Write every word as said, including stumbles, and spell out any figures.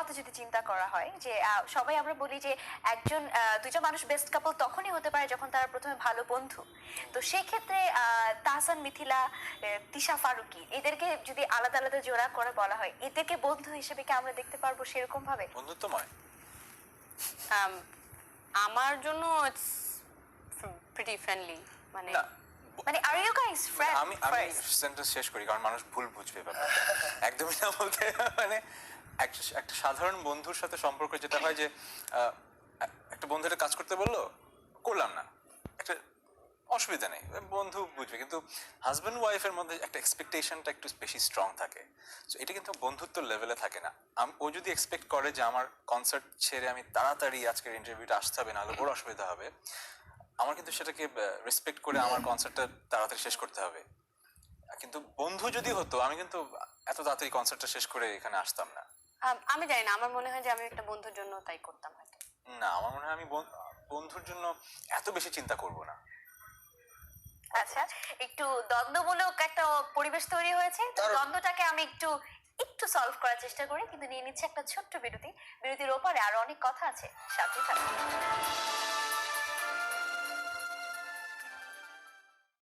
কথা যদি চিন্তা করা হয় যে আহ, সবাই আমরা বলি যে একজন আহ, দুজন মানুষ বেস্ট কাপল তখনই হতে পারে যখন তারা প্রথমে ভালো বন্ধু। তো সেক্ষেত্রে আহ, তাহসান মিথিলা, আহ, তিশা ফারুকী এদেরকে যদি আলাদা আলাদা জোড়া করে বলা হয়, এদেরকে বন্ধু হিসেবে কি আমরা দেখতে পারবো সেরকম ভাবে? বন্ধুত্বময় Um, আমার জন্য ইটস প্রিটি ফ্রেন্ডলি, মানে না মানে আর ইউ গাইস ফ্রেন্ড? আমি আমি সেন্টেন্স শেষ করি কারণ মানুষ ভুল বুঝবে ব্যাপারটা একদমই না বলতে মানে এক- একটা সাধারণ বন্ধুর সাথে সম্পর্ক যেটা হয় যে আহ, একটা বন্ধু একটা কাজ করতে বললো, করলাম না, একটা অসুবিধা নেই, বন্ধু বুঝবে। কিন্তু হাজব্যান্ড ওয়াইফের মধ্যে একটা এক্সপেকটেশনটা একটু বেশি স্ট্রং থাকে। তো এটা কিন্তু বন্ধুত্ব লেভেলে থাকে না। আম- ও যদি এক্সপেক্ট করে যে আমার কনসার্ট ছেড়ে আমি তাড়াতাড়ি আজকের ইন্টারভিউটা আসতে হবে, নাহলে ওর অসুবিধা হবে, আমার কিন্তু সেটাকে রেসপেক্ট করে আমার কনসার্টটা তাড়াতাড়ি শেষ করতে হবে। কিন্তু বন্ধু যদি হতো আমি কিন্তু এত তাড়াতাড়ি কনসার্টটা শেষ করে এখানে আসতাম না। um, আমি জানি না, আমার মনে হয় যে আমি একটা বন্ধুর জন্য তাই করতাম হয়তো। না, আমার মনে হয় আমি বন- বন্ধুর জন্য এত বেশি চিন্তা করব না। আচ্ছা, একটু দ্বন্দ্বমূলক একটা পরিবেশ তৈরি হয়েছে, তো দ্বন্দ্বটাকে আমি একটু একটু সলভ করার চেষ্টা করি, কিন্তু নিয়ে নিচ্ছে একটা ছোট্ট বিরতি। বিরতির ওপারে আরো অনেক কথা আছে, সাথে থাকুন।